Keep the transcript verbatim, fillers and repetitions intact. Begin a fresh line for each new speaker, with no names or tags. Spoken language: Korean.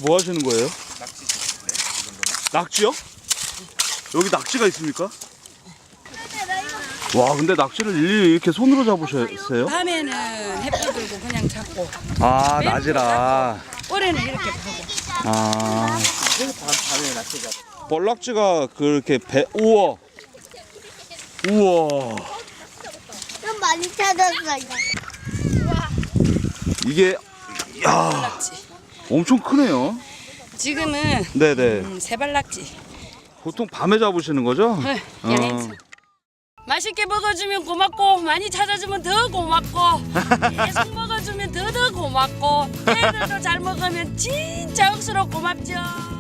뭐 하시는 거예요?
낙지 네, 이 정도면.
낙지요? 여기 낙지가 있습니까? 와, 근데 낙지를 일일이 이렇게 손으로 잡으셨어요?
밤에는 햇빛 들고 그냥 잡고
아, 낮이라.
올해는 이렇게 파고.
아,
그래서 밤 밤에 낙지 잡아.
뻘낙지가 그렇게 배, 우와. 우와.
좀 많이 찾았어요.
이게, 야,
낙지.
엄청 크네요.
지금은
네네.
음, 세발낙지.
보통 밤에 잡으시는 거죠?
네,
어.
야행성. 맛있게 먹어주면 고맙고 많이 찾아주면 더 고맙고 계속 먹어주면 더 더 고맙고 애들도 잘 먹으면 진짜 억수로 고맙죠.